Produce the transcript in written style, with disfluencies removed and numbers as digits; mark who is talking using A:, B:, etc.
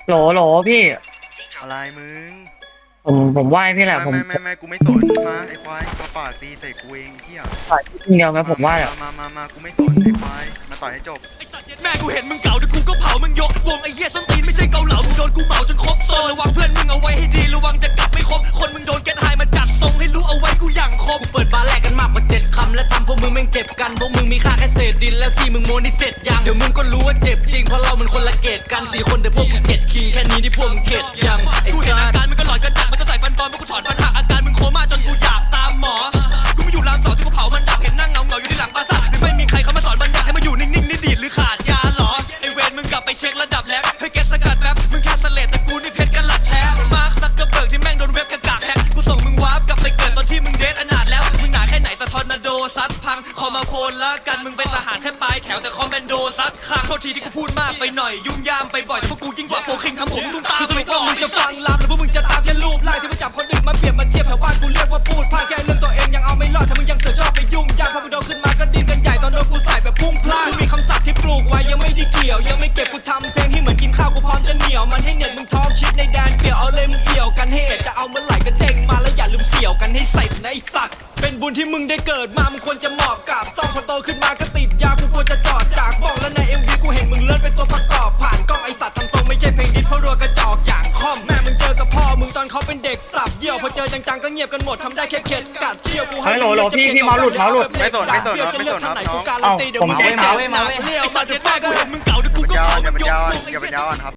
A: โหลโหลพี่
B: อะไรมึง
A: ผมไหว้พี่แหละผม
B: ไม่กูไม่สนมาไอ้ควายมาปาดตีใส่กูเองเที่ย
A: ต่อยทีเดียวไหมผมไหว้อะ
B: มากูไม่สนไอ้ควายมาต่อยให้จบ
C: แม่กูเห็นมึงเก่าเดี๋ยวกูก็เผามึงยกวงไอ้เหี้ยส้นตีนไม่ใช่เกาเหลามึงโดนกูเหมาจนครบโซนระวังเพื่อนมึงเอาไว้ให้ดีระวังจะกลับไม่ครบคนมึงโดนแกนไฮมาจัดทรงให้รู้เอาไว้กูอย่างคม
D: กูเปิดบาร์แรกกันมากกว่า7คำและทำพวกมึงแม่งเจ็บกันพวกมึงมีค่าแค่เศษดินแล้วที่มึงโมนี่เสร็จยังเดี๋ยวมึงก็รู้ว่าเจ็บจริงเพราะเรามันคนละเกตกัน4คนแต่พวกมึงเก็ตคิงแค่นี้ที่พวกมึงเข็ดยังไอ้
C: กูเห็น
D: สั
C: อา
D: ส
C: การมึงก็หลอนกันจัดมันก็ใส่ฟันปลอมมันกูถอนฟันหักอาการมึงโคม่าจนกูอยากตามหมอกูไม่อยู่รามสอนที่กูเผามันดับเห็นนั่งเงาอยู่ที่หลังปราสาทไม่มีใครเขามาสอนบัญญัติให้มาอยู่นิ่งๆนี่ดีดหรือขาดยาหรอไอเวรมึงกลับไปเช็คระดับแล้วให้แกสกัดแป๊บมึงแค่สเลดแต่กูนี่เพชรกันหลักแท้มาร์คซักเกอร์เบิร์กที่แม่งโดนเว็บกระกากแฮกกูส่งมึงวาร์ปกลับไปเกิดตอนที่มึงเดทอนาถแล้วมึงหนาแค่ไหนแต่ทอร์นาโดซัดพังคอมาโฟนละกันมึงเป็นทหารแค่ปลายแถวแต่คอมแบนโดซัดคางโทษทีที่กูพูดมากไปหน่อยยุ่งยามไปบ่อยแต่พวกกูยิ่งกว่าโฟคิงทำผมตุ้มตามคือสรุปว่ามึงจะฟังลามหรือพวกมึงจะตามแค่รูปไล่ที่มาจับคนอื่นมาเปรียบมาเทียบแถวบ้านกูเรียกว่าพูดพลาดแค่เรื่องตัวเองยังเอาไม่รอดถ้ามึงยังเสือกชอบไปยุ่งยากพอมึงโดนขึ้นมาก็ดิ้นกันใหญ่ตอนโดนกูใส่แบบพุ่งพลาดกูมีคำศัพท์ที่ปลูกไว้ยังไม่ได้เกี่ยวยังไม่เก็บกูทำเพลงให้เหมือนกินข้าวกูพร้อมจะเหนียวมันให้เน็ตมึงท้องชิดในแดนเปี่ยวเอาเลยมึงเอี่ยวกันให้เอ็ดจะเอาเมื่อไหร่ก็เด้งมาแล้วอย่าลืมเสี่ยวกันให้ใส่ในสัตว์เป็นบุญที่มึงได้เกิดมามึงควรจะหมอบกับซ่องพอโตขึ้นมาก็ติดยากูควรจะจอดจากบอกแล้วใน MV กูเห็นมึงเลื่อนเป็นตัวประกอบผ่านกล้องไอสัตว์ทำทรงไม่ใช่เพลงดิสเพราะรัวกระจอกอย่างคอมแม่มึงเจอกับพ่อมึงตอนเขาเป็นเด็กสับเยี่ยวพอเจอจังๆก็เงียบกันหมดทำได้แค่เข็ดกัดเที่ยวกูให้
A: โหลพี่เมาหลุด
B: ไม่สนครับน้อง
A: เอ้าผมเมา
C: เลี้ยวมาเดี๋ยวแม่กูเห็นมึงเก่าเดี๋ยวกูก็เผามึงยกวงไอ้
B: อย่า
C: เหี้
B: ไป
C: ย
B: ยาวอ่อนครับ